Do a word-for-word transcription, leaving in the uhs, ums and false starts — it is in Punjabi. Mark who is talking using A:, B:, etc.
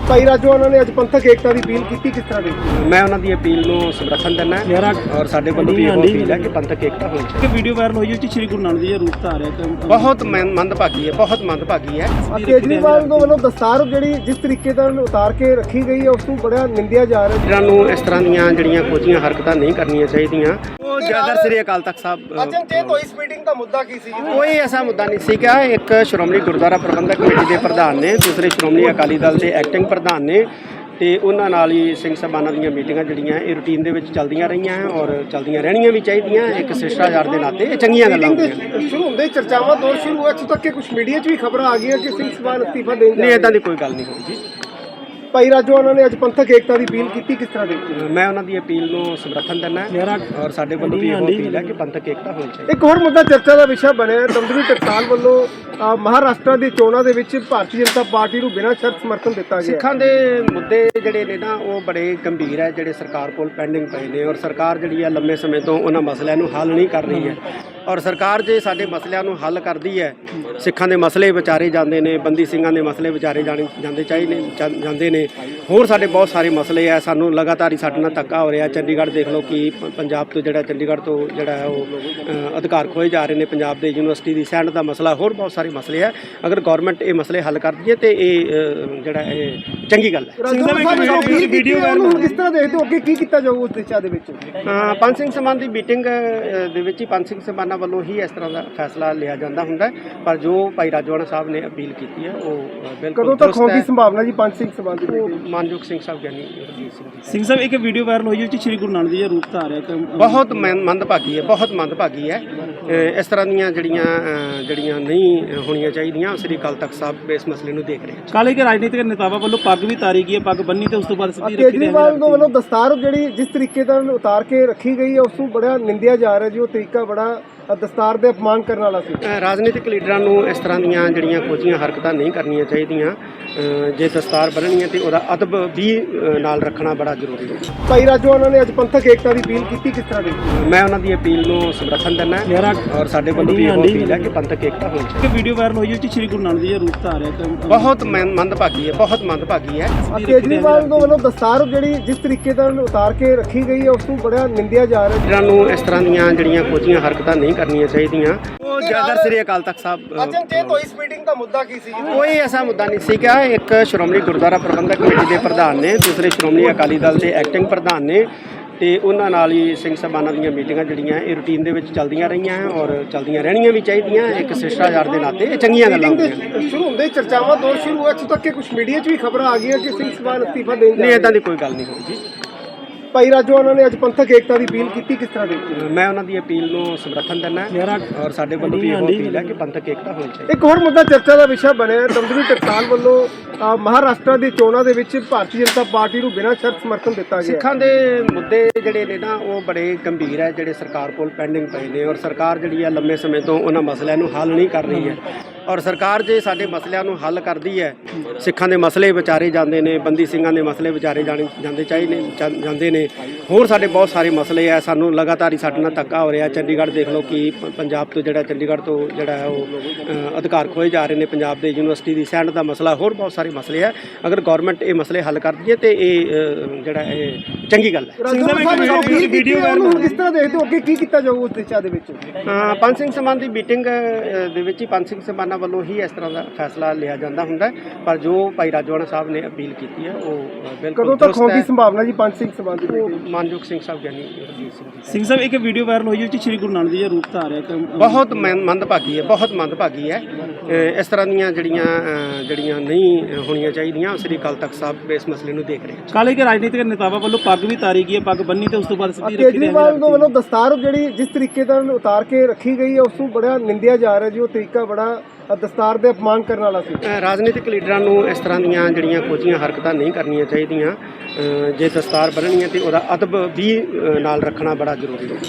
A: ਭਾਈ ਰਾਜੋਆਣਾ ਨੇ ਅੱਜ ਪੰਥਕ ਏਕਤਾ ਦੀ ਅਪੀਲ ਕੀਤੀ, ਕਿਸ ਤਰ੍ਹਾਂ ਦੀ?
B: ਮੈਂ ਉਹਨਾਂ ਦੀ ਅਪੀਲ ਨੂੰ ਸਮਰਥਨ ਦਿੰਦਾ ਔਰ ਸਾਡੇ ਵੱਲੋਂ ਵੀ ਇਹ ਅਪੀਲ ਹੈ ਕਿ ਪੰਥਕ ਏਕਤਾ ਹੋਣੀ ਚਾਹੀਦੀ
C: ਹੈ। ਵੀਡੀਓ ਵਾਇਰਲ ਹੋਈ ਹੈ ਕਿ ਸ਼੍ਰੀ ਗੁਰੂ ਨਾਨਕ ਦੇਵ ਜੀ ਦਾ ਰੂਪ ਧਾਰਿਆ
B: ਬਹੁਤ ਮੰਦਭਾਗੀ ਹੈ, ਬਹੁਤ ਮੰਦਭਾਗੀ ਹੈ।
A: ਕੇਜਰੀਵਾਲ ਦੇ ਵੱਲੋਂ ਦਸਤਾਰ ਜਿਹੜੀ ਜਿਸ ਤਰੀਕੇ ਨਾਲ ਉਤਾਰ ਕੇ ਰੱਖੀ ਗਈ ਹੈ ਉਸ ਨੂੰ ਬੜਾ ਨਿੰਦਿਆ ਜਾ ਰਿਹਾ ਹੈ।
B: ਇਹਨਾਂ ਨੂੰ ਇਸ ਤਰ੍ਹਾਂ ਦੀਆਂ ਜਿਹੜੀਆਂ ਕੋਝੀਆਂ ਹਰਕਤਾਂ ਨਹੀਂ ਕਰਨੀਆਂ ਚਾਹੀਦੀਆਂ। ਉਹ ਜ਼ਿਆਦਾ ਸ੍ਰੀ ਅਕਾਲ ਤਖਤ ਸਾਹਿਬ
A: ਅਚਨਚੇਤ ਹੋਈ ਇਸ ਮੀਟਿੰਗ ਦਾ ਮੁੱਦਾ ਕੀ ਸੀ?
B: ਕੋਈ ਐਸਾ ਮੁੱਦਾ ਨਹੀਂ ਸੀਗਾ। ਇੱਕ ਸ਼੍ਰੋਮਣੀ ਗੁਰਦੁਆਰਾ ਪ੍ਰਬੰਧਕ ਕਮੇਟੀ ਦੇ ਪ੍ਰਧਾਨ ਨੇ, ਦੂਸਰੇ ਸ਼੍ਰੋਮਣੀ ਅਕਾਲੀ ਦਲ ਦੇ ਐਕਟਿੰਗ ਪ੍ਰਧਾਨ ਨੇ ਤੇ ਉਹਨਾਂ ਨਾਲ ਹੀ ਸਿੰਘ ਸਭਾਨਾਂ ਦੀਆਂ ਮੀਟਿੰਗਾਂ ਜਿਹੜੀਆਂ ਇਹ ਰੂਟੀਨ ਦੇ ਵਿੱਚ ਚੱਲਦੀਆਂ ਰਹੀਆਂ ਔਰ ਚੱਲਦੀਆਂ ਰਹਿਣੀਆਂ ਵੀ ਚਾਹੀਦੀਆਂ। ਇੱਕ ਸਿਸ਼ਟਾਚਾਰ ਦੇ ਨਾਤੇ ਇਹ ਚੰਗੀਆਂ ਗੱਲਾਂ ਹੁੰਦੀਆਂ।
A: ਸ਼ੁਰੂ ਹੁੰਦੇ ਚਰਚਾਵਾਂ ਦੌਰ ਸ਼ੁਰੂ ਹੋਇਆ, ਇੱਥੋਂ ਤੱਕ ਕਿ ਕੁਝ ਮੀਡੀਆ 'ਚ ਵੀ ਖਬਰਾਂ ਆ ਗਈਆਂ ਕਿ ਸਿੰਘ ਸਭਾ ਅਸਤੀਫਾ ਦੇਣ
B: ਨਹੀਂ, ਇਦਾਂ ਦੀ ਕੋਈ ਗੱਲ ਨਹੀਂ ਹੋਈ ਜੀ।
A: ਭਾਈ ਰਾਜੋਆਣਾ ਨੇ ਅੱਜ ਪੰਥਕ ਏਕਤਾ ਦੀ ਅਪੀਲ ਕੀਤੀ, ਕਿਸ ਤਰ੍ਹਾਂ ਦੀ?
B: ਮੈਂ ਉਹਨਾਂ ਦੀ ਅਪੀਲ ਨੂੰ ਸਮਰਥਨ ਦਿੰਦਾ ਔਰ ਸਾਡੇ ਵੱਲੋਂ ਵੀ ਇਹ ਅਪੀਲ ਹੈ ਕਿ ਪੰਥਕ ਏਕਤਾ ਹੋਣੀ ਚਾਹੀਦੀ।
A: ਇੱਕ ਹੋਰ ਮੁੱਦਾ ਚਰਚਾ ਦਾ ਵਿਸ਼ਾ ਬਣਿਆ ਹੈ। ਦਮਦਮੀ ਟਕਸਾਲ ਵੱਲੋਂ ਅ, ਮਹਾਰਾਸ਼ਟਰ ਦੀ ਚੋਣਾਂ ਦੇ ਵਿੱਚ ਭਾਰਤੀ ਜਨਤਾ ਪਾਰਟੀ ਨੂੰ ਬਿਨਾਂ ਸ਼ਰਤ ਸਮਰਥਨ ਦਿੱਤਾ ਗਿਆ।
B: ਸਿੱਖਾਂ ਦੇ ਮੁੱਦੇ ਜਿਹੜੇ ਨੇ ਨਾ ਉਹ ਬੜੇ ਗੰਭੀਰ ਹੈ, ਜਿਹੜੇ ਸਰਕਾਰ ਕੋਲ ਪੈਂਡਿੰਗ ਪਏ ਨੇ ਔਰ ਸਰਕਾਰ ਜਿਹੜੀ ਹੈ ਲੰਮੇ ਸਮੇਂ ਤੋਂ ਉਹਨਾਂ ਮਸਲਿਆਂ ਨੂੰ ਹੱਲ ਨਹੀਂ ਕਰ ਰਹੀ ਹੈ। ਔਰ ਸਰਕਾਰ ਜੇ ਸਾਡੇ ਮਸਲਿਆਂ ਨੂੰ ਹੱਲ ਕਰਦੀ ਹੈ, ਸਿੱਖਾਂ ਦੇ ਮਸਲੇ ਵਿਚਾਰੇ ਜਾਂਦੇ ਨੇ, ਬੰਦੀ ਸਿੰਘਾਂ ਦੇ ਮਸਲੇ ਵਿਚਾਰੇ ਜਾਣੇ ਜਾਂਦੇ ਚਾਹੀਦੇ ਜਾਂਦੇ ਨੇ, ਹੋਰ ਸਾਡੇ ਬਹੁਤ ਸਾਰੇ ਮਸਲੇ ਆ। ਸਾਨੂੰ ਲਗਾਤਾਰ ਹੀ ਸਾਡੇ ਨਾਲ ਧੱਕਾ ਹੋ ਰਿਹਾ। ਚੰਡੀਗੜ੍ਹ ਦੇਖ ਲਓ ਕਿ ਪੰਜਾਬ ਤੋਂ ਜਿਹੜਾ ਚੰਡੀਗੜ੍ਹ ਤੋਂ ਜਿਹੜਾ ਹੈ ਉਹ ਅਧਿਕਾਰ ਖੋਏ ਜਾ ਰਹੇ ਨੇ। ਪੰਜਾਬ ਦੇ ਯੂਨੀਵਰਸਿਟੀ ਦੀ ਸੈਂਡ ਦਾ ਮਸਲਾ, ਹੋਰ ਬਹੁਤ ਸਾਰੇ ਮਸਲੇ ਆ। ਅਗਰ ਗੌਰਮੈਂਟ ਇਹ ਮਸਲੇ ਹੱਲ ਕਰਦੀ ਹੈ ਤੇ ਇਹ ਜਿਹੜਾ ਇਹ ਚੰਗੀ ਗੱਲ ਹੈ।
A: ਵੀਡੀਓ ਕਿਸ ਤਰ੍ਹਾਂ ਦੇਖਦੇ ਹੋ, ਅੱਗੇ ਕੀ ਕੀਤਾ ਜਾਊ ਉਸ ਦਿਸ਼ਾ ਦੇ ਵਿੱਚ?
B: ਪੰਜ ਸਿੰਘ ਸਮਾਨ ਦੀ ਮੀਟਿੰਗ ਦੇ ਵਿੱਚ ਹੀ ਪੰਜ ਸਿੰਘ ਸਮਾਨਾਂ ਵੱਲੋਂ ਹੀ ਇਸ ਤਰ੍ਹਾਂ ਦਾ ਫੈਸਲਾ ਲਿਆ ਜਾਂਦਾ ਹੁੰਦਾ, ਪਰ ਜੋ ਭਾਈ ਰਾਜੋਆਣਾ ਸਾਹਿਬ ਨੇ ਅਪੀਲ ਕੀਤੀ ਹੈ ਉਹ ਬਿਲਕੁਲ
A: ਕਦੋਂ ਤੱਕ ਹੋਣ ਦੀ ਸੰਭਾਵਨਾ ਜੀ ਪੰਜ ਸਿੰਘ ਸਮਾਨ ਦੀ?
B: ਮਾਨਯੋਗ ਸਿੰਘ ਸਾਹਿਬ ਗਿਆਨੀ ਰਣਜੀਤ ਸਿੰਘ ਜੀ।
C: ਸਿੰਘ ਸਾਹਿਬ, ਇੱਕ ਵੀਡੀਓ ਵਾਇਰਲ ਹੋਈ ਹੈ ਕਿ ਸ਼੍ਰੀ ਗੁਰੂ ਨਾਨਕ ਦੇਵ ਜੀ ਦਾ ਰੂਪ ਧਾਰਿਆ
B: ਬਹੁਤ ਮੰਦਭਾਗੀ ਹੈ, ਬਹੁਤ ਮੰਦਭਾਗੀ ਹੈ। ਇਸ ਤਰ੍ਹਾਂ ਦੀਆਂ ਜਿਹੜੀਆਂ ਜਿਹੜੀਆਂ ਨਹੀਂ ਹੋਣੀਆਂ ਚਾਹੀਦੀਆਂ। ਸ੍ਰੀ ਅਕਾਲ ਤਖਤ ਸਾਹਿਬ ਇਸ ਮਸਲੇ ਨੂੰ ਦੇਖ ਰਹੇ ਹਨ।
C: ਕਾਲੇ ਕੇ ਰਾਜਨੀਤਿਕ ਨੇਤਾਵਾਂ ਵੱਲੋਂ ਪੱਗ ਵੀ ਤਾਰੀ ਗਈ ਹੈ, ਪੱਗ ਬੰਨੀ ਤੇ ਉਸ ਤੋਂ ਬਾਅਦ ਸਿੱਧੀ ਰੱਖੀ।
A: ਕੇਜਰੀਵਾਲ ਦੇ ਵੱਲੋਂ ਦਸਤਾਰ ਜਿਹੜੀ ਜਿਸ ਤਰੀਕੇ ਨਾਲ ਉਤਾਰ ਕੇ ਰੱਖੀ ਗਈ ਹੈ ਉਸ ਨੂੰ ਬੜਾ ਨਿੰਦਿਆ ਜਾ ਰਿਹਾ ਜੀ। ਉਹ ਤਰੀਕਾ ਬੜਾ ਦਸਤਾਰ ਦੇ ਅਪਮਾਨ ਕਰਨ ਵਾਲਾ ਸੀ।
B: ਰਾਜਨੀਤਿਕ ਲੀਡਰਾਂ ਨੂੰ ਇਸ ਤਰ੍ਹਾਂ ਦੀਆਂ ਜਿਹੜੀਆਂ ਕੋਝੀਆਂ ਹਰਕਤਾਂ ਨਹੀਂ ਕਰਨੀਆਂ ਚਾਹੀਦੀਆਂ। ਜੇ ਦਸਤਾਰ ਬੰਨ੍ਹਣੀ ਹੈ ਤੇ ਉਹਦਾ ਅਦਬ ਵੀ ਨਾਲ ਰੱਖਣਾ ਬੜਾ ਜ਼ਰੂਰੀ ਹੈ।
A: ਭਾਈ ਰਾਜੋਆਣਾ ਨੇ ਅੱਜ ਪੰਥਕ ਏਕਤਾ ਦੀ ਅਪੀਲ ਕੀਤੀ, ਕਿਸ ਤਰ੍ਹਾਂ ਦੀ?
B: ਮੈਂ ਉਹਨਾਂ ਦੀ ਅਪੀਲ ਨੂੰ ਸਮਰਥਨ ਦਿੰਦਾ ਔਰ ਸਾਡੇ ਵੱਲੋਂ ਵੀ ਇਹ ਅਪੀਲ ਹੈ ਕਿ ਪੰਥਕ ਏਕਤਾ ਹੋਣੀ ਚਾਹੀਦੀ।
C: ਵੀਡੀਓ ਵਾਇਰਲ ਹੋਈ ਹੈ ਕਿ ਸ਼੍ਰੀ ਗੁਰੂ ਨਾਨਕ ਦੇਵ ਜੀ ਦਾ ਰੂਪ ਧਾਰਿਆ
B: ਬਹੁਤ ਮੰਦਭਾਗੀ ਹੈ, ਬਹੁਤ ਮੰਦਭਾਗੀ ਹੈ।
A: ਕੇਜਰੀਵਾਲ ਦੇ ਵੱਲੋਂ ਦਸਤਾਰ ਜਿਹੜੀ ਜਿਸ ਤਰੀਕੇ ਨਾਲ ਉਤਾਰ ਕੇ ਰੱਖੀ ਗਈ ਹੈ ਉਸ ਨੂੰ ਬੜਾ ਨਿੰਦਿਆ ਜਾ ਰਿਹਾ ਹੈ।
B: ਇਹਨਾਂ ਨੂੰ ਇਸ ਤਰ੍ਹਾਂ ਦੀਆਂ ਜਿਹੜੀਆਂ ਕੋਝੀਆਂ ਹਰਕਤਾਂ ਨਹੀਂ ਕਰਨੀਆਂ ਚਾਹੀਦੀਆਂ। ਉਹ ਜ਼ਿਆਦਾ ਸ੍ਰੀ ਅਕਾਲ ਤਖਤ ਸਾਹਿਬ
A: ਅਚਨਚੇਤ ਹੋਈ ਇਸ ਮੀਟਿੰਗ ਦਾ ਮੁੱਦਾ ਕੀ ਸੀ?
B: ਕੋਈ ਐਸਾ ਮੁੱਦਾ ਨਹੀਂ ਸੀਗਾ। ਇੱਕ ਸ਼੍ਰੋਮਣੀ ਗੁਰਦੁਆਰਾ ਪ੍ਰਬੰਧਕ ਕਮੇਟੀ ਦੇ ਪ੍ਰਧਾਨ ਨੇ, ਦੂਸਰੇ ਸ਼੍ਰੋਮਣੀ ਅਕਾਲੀ ਦਲ ਦੇ ਐਕਟਿੰਗ ਪ੍ਰਧਾਨ ਨੇ ਤੇ ਉਹਨਾਂ ਨਾਲ ਹੀ ਸਿੰਘ ਸਭਾਨਾਂ ਦੀਆਂ ਮੀਟਿੰਗਾਂ ਜਿਹੜੀਆਂ ਇਹ ਰੂਟੀਨ ਦੇ ਵਿੱਚ ਚੱਲਦੀਆਂ ਰਹੀਆਂ ਔਰ ਚੱਲਦੀਆਂ ਰਹਿਣੀਆਂ ਵੀ ਚਾਹੀਦੀਆਂ। ਇੱਕ ਸਿਸ਼ਟਾਚਾਰ ਦੇ ਨਾਤੇ ਇਹ ਚੰਗੀਆਂ ਗੱਲਾਂ ਹੁੰਦੀਆਂ।
A: ਸ਼ੁਰੂ ਹੁੰਦੇ ਚਰਚਾਵਾਂ ਦੌਰ ਸ਼ੁਰੂ ਹੋਇਆ, ਇੱਥੋਂ ਤੱਕ ਕਿ ਕੁਝ ਮੀਡੀਆ 'ਚ ਵੀ ਖਬਰਾਂ ਆ ਗਈਆਂ ਕਿ ਸਿੰਘ ਸਭਾ ਅਸਤੀਫਾ ਦੇਣ
B: ਨਹੀਂ, ਇਦਾਂ ਦੀ ਕੋਈ ਗੱਲ ਨਹੀਂ ਹੋਈ ਜੀ।
A: ਭਾਈ ਰਾਜੋਆਣਾ ਨੇ ਅੱਜ ਪੰਥਕ ਏਕਤਾ ਦੀ ਅਪੀਲ ਕੀਤੀ, ਕਿਸ ਤਰ੍ਹਾਂ ਦੀ?
B: ਮੈਂ ਉਹਨਾਂ ਦੀ ਅਪੀਲ ਨੂੰ ਸਮਰਥਨ ਦਿੰਦਾ ਔਰ ਸਾਡੇ ਵੱਲੋਂ ਵੀ ਇਹ ਅਪੀਲ ਹੈ ਕਿ ਪੰਥਕ ਏਕਤਾ ਹੋਣੀ ਚਾਹੀਦੀ।
A: ਇੱਕ ਹੋਰ ਮੁੱਦਾ ਚਰਚਾ ਦਾ ਵਿਸ਼ਾ ਬਣਿਆ ਹੈ। ਦਮਦਮੀ ਟਕਸਾਲ ਵੱਲੋਂ ਅ, ਮਹਾਰਾਸ਼ਟਰ ਦੀ ਚੋਣਾਂ ਦੇ ਵਿੱਚ ਭਾਰਤੀ ਜਨਤਾ ਪਾਰਟੀ ਨੂੰ ਬਿਨਾਂ ਸ਼ਰਤ ਸਮਰਥਨ ਦਿੱਤਾ ਗਿਆ।
B: ਸਿੱਖਾਂ ਦੇ ਮੁੱਦੇ ਜਿਹੜੇ ਨੇ ਨਾ ਉਹ ਬੜੇ ਗੰਭੀਰ ਹੈ, ਜਿਹੜੇ ਸਰਕਾਰ ਕੋਲ ਪੈਂਡਿੰਗ ਪਏ ਨੇ ਔਰ ਸਰਕਾਰ ਜਿਹੜੀ ਹੈ ਲੰਮੇ ਸਮੇਂ ਤੋਂ ਉਹਨਾਂ ਮਸਲਿਆਂ ਨੂੰ ਹੱਲ ਨਹੀਂ ਕਰ ਰਹੀ ਹੈ। ਔਰ ਸਰਕਾਰ ਜੇ ਸਾਡੇ ਮਸਲਿਆਂ ਨੂੰ ਹੱਲ ਕਰਦੀ ਹੈ, ਸਿੱਖਾਂ ਦੇ ਮਸਲੇ ਵਿਚਾਰੇ ਜਾਂਦੇ ਨੇ, ਬੰਦੀ ਸਿੰਘਾਂ ਦੇ ਮਸਲੇ ਵਿਚਾਰੇ ਜਾਣੇ ਜਾਂਦੇ ਚਾਹੀਦੇ ਜਾਂਦੇ ਨੇ, ਹੋਰ ਸਾਡੇ ਬਹੁਤ ਸਾਰੇ ਮਸਲੇ ਆ। ਸਾਨੂੰ ਲਗਾਤਾਰ ਹੀ ਸਾਡੇ ਨਾਲ ਧੱਕਾ ਹੋ ਰਿਹਾ। ਚੰਡੀਗੜ੍ਹ ਦੇਖ ਲਓ ਕਿ ਪੰਜਾਬ ਤੋਂ ਜਿਹੜਾ ਚੰਡੀਗੜ੍ਹ ਤੋਂ ਜਿਹੜਾ ਹੈ ਉਹ ਅਧਿਕਾਰ ਖੋਏ ਜਾ ਰਹੇ ਨੇ। ਪੰਜਾਬ ਦੇ ਯੂਨੀਵਰਸਿਟੀ ਦੀ ਸੈਂਡ ਦਾ ਮਸਲਾ, ਹੋਰ ਬਹੁਤ ਸਾਰੇ ਮਸਲੇ ਆ। ਅਗਰ ਗੌਰਮੈਂਟ ਇਹ ਮਸਲੇ ਹੱਲ ਕਰਦੀ ਹੈ ਤੇ ਇਹ ਜਿਹੜਾ ਇਹ ਚੰਗੀ ਗੱਲ ਹੈ।
A: ਵੀਡੀਓ ਕਿਸ ਤਰ੍ਹਾਂ ਦੇਖਦੇ ਹੋ, ਅੱਗੇ ਕੀ ਕੀਤਾ ਜਾਊ ਉਸ ਦਿਸ਼ਾ ਦੇ ਵਿੱਚ?
B: ਪੰਜ ਸਿੰਘ ਸਮਾਨ ਦੀ ਮੀਟਿੰਗ ਦੇ ਵਿੱਚ ਹੀ ਪੰਜ ਸਿੰਘ ਸਮਾਨਾਂ ਵੱਲੋਂ ਹੀ ਇਸ ਤਰ੍ਹਾਂ ਦਾ ਫੈਸਲਾ ਲਿਆ ਜਾਂਦਾ ਹੁੰਦਾ, ਪਰ ਜੋ ਭਾਈ ਰਾਜੋਆਣਾ ਸਾਹਿਬ ਨੇ ਅਪੀਲ ਕੀਤੀ ਹੈ ਉਹ ਬਿਲਕੁਲ
A: ਕਦੋਂ ਤੱਕ ਹੋਣ ਦੀ ਸੰਭਾਵਨਾ ਜੀ ਪੰਜ ਸਿੰਘ ਸਮਾਨ ਦੀ?
B: ਮਾਨਯੋਗ ਸਿੰਘ ਸਾਹਿਬ ਗਿਆਨੀ ਰਣਜੀਤ ਸਿੰਘ ਜੀ।
C: ਸਿੰਘ ਸਾਹਿਬ, ਇੱਕ ਵੀਡੀਓ ਵਾਇਰਲ ਹੋਈ ਹੈ ਕਿ ਸ਼੍ਰੀ ਗੁਰੂ ਨਾਨਕ ਦੇਵ ਜੀ ਦਾ ਰੂਪ ਧਾਰਿਆ
B: ਬਹੁਤ ਮੰਦਭਾਗੀ ਹੈ, ਬਹੁਤ ਮੰਦਭਾਗੀ ਹੈ। ਇਸ ਤਰ੍ਹਾਂ ਦੀਆਂ ਜਿਹੜੀਆਂ ਜਿਹੜੀਆਂ ਨਹੀਂ ਹੋਣੀਆਂ ਚਾਹੀਦੀਆਂ। ਸ੍ਰੀ ਅਕਾਲ ਤਖਤ ਸਾਹਿਬ ਇਸ ਮਸਲੇ ਨੂੰ ਦੇਖ ਰਹੇ ਹਨ।
C: ਕਾਲੇ ਕੇ ਰਾਜਨੀਤਿਕ ਨੇਤਾਵਾਂ ਵੱਲੋਂ ਪੱਗ ਵੀ ਤਾਰੀ ਗਈ ਹੈ, ਪੱਗ ਬੰਨੀ ਤੇ ਉਸ ਤੋਂ ਬਾਅਦ ਸਿੱਧੀ ਰੱਖੀ।
A: ਕੇਜਰੀਵਾਲ ਦੇ ਵੱਲੋਂ ਦਸਤਾਰ ਜਿਹੜੀ ਜਿਸ ਤਰੀਕੇ ਨਾਲ ਉਤਾਰ ਕੇ ਰੱਖੀ ਗਈ ਹੈ ਉਸ ਨੂੰ ਬੜਾ ਨਿੰਦਿਆ ਜਾ ਰਿਹਾ ਜੀ। ਉਹ ਤਰੀਕਾ ਬੜਾ ਦਸਤਾਰ ਦੇ ਅਪਮਾਨ ਕਰਨ ਵਾਲਾ ਸੀ।
B: ਰਾਜਨੀਤਿਕ ਲੀਡਰਾਂ ਨੂੰ ਇਸ ਤਰ੍ਹਾਂ ਦੀਆਂ ਜਿਹੜੀਆਂ ਕੋਝੀਆਂ ਹਰਕਤਾਂ ਨਹੀਂ ਕਰਨੀਆਂ ਚਾਹੀਦੀਆਂ। ਜੇ ਦਸਤਾਰ ਬੰਨ੍ਹਣੀ ਹੈ ਤੇ ਉਹਦਾ ਅਦਬ ਵੀ ਨਾਲ ਰੱਖਣਾ ਬੜਾ ਜ਼ਰੂਰੀ ਹੈ।